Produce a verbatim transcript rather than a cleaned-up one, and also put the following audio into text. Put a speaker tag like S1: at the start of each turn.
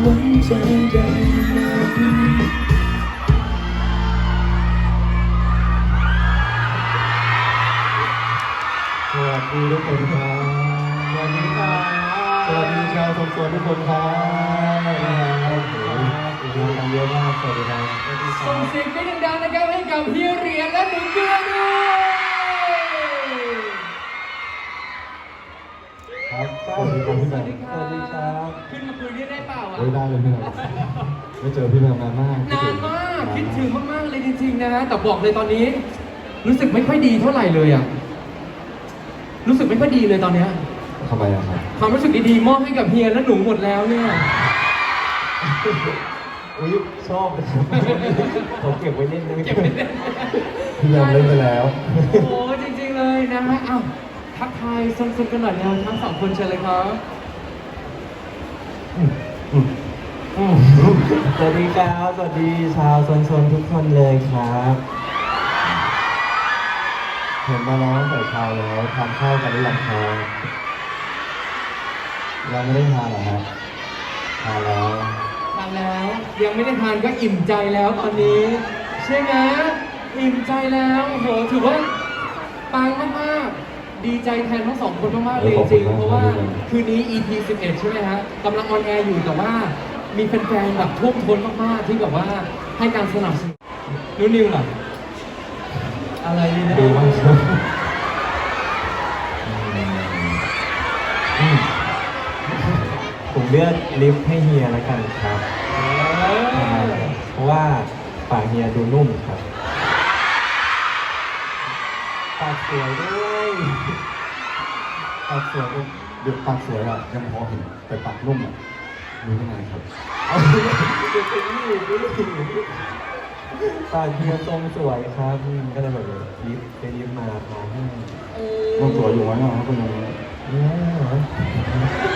S1: ไว้ใจได้ไหม
S2: สวัสดีทุกคนครับสวัสดีครับสวัสดีชาวสมสวนทุกคนครับโอ้โหมากันเยอะมากสวัสดีครับ
S3: ส่งเสียงกรี๊ดดังๆนะครับให้กับเฮียเหรียญและหนูเกลือด้วย
S2: ครับสวัสดีครับพี่แม
S3: สวั
S2: น
S3: สดีครับ
S2: สวัสดีครับ
S3: ขึ้นมาคุยด้วยได้เปล่าอ่ะ
S2: โอ้ยได้เลยพี่แมนไม่เจอพี่แมนนานมาก
S3: นานมากคิดถึงมากๆเลยจริงๆนะฮะแต่บอกเลยตอนนี้ รู้สึกไม่ค่อยดีเท่าไหร่เลยอ่ะรู้สึกไม่ค่อยดีเลยตอนเนี้ย
S2: ทำไมอะครับ
S3: ความรู้สึกดีๆมอบให้กับเฮียและหนูหมดแล้วเนี่ย
S2: อุ้ยชอบเลยผมเก็บไว้เล่นนะ
S3: เก็บไว้เล่น
S2: พี่แมนเล่นไปแล้ว
S3: โอ้โหจริงๆเลยนะฮะอ้าวทักทายสนๆกันหน่อยนะทั้งสองคนเชิญเลยครับ
S2: สวัสดีครับ สวัสดีชาวโซนๆทุกคนเลยครับ เห็นมาแล้วตั้งแต่เช้าแล้วทานข้าวกันหรือยังครับยังไม่ได้ทานเหรอครับทานแล้ว
S3: ทานแล้วยังไม่ได้ทานก็อิ่มใจแล้วตอนนี้ใช่ไหมอิ่มใจแล้วโอ้โหถือว่าปังมากๆดีใจแทนทั้งสองคนมากๆเลยจริงๆเพราะว่าคืนนี้ อี พี สิบเอ็ดใช่ไหมฮะกำลังออนแอร์อยู่แต่ว่ามีแฟนๆแบบท่วมท้นมากๆที่แบบว่าให้การสนับสนุนนุ่นนิวล่ะอะไรดีนะ
S2: ดูมากครับอืมผมเลือกลิฟต์ให้เฮียแล้วกันครับเพราะว่าปากเฮียดูนุ่มครับปากสวยด้วยปากสวยด้วยเดี๋ยวปากสวยอ่ะยังพอเห็นแต่ปากนุ่มอ่ะรู้ได้ไงครับเอาเดี๋ยวเป็นนี่ดิปากเฮียทรงสวยครับอืมก็เลยแบบลิฟต์ไปลิฟต์มาพาให้
S3: เอ
S2: ต้องสวยอยู่
S3: อ
S2: ไว้หน่อยครับคุณยังเนี่ย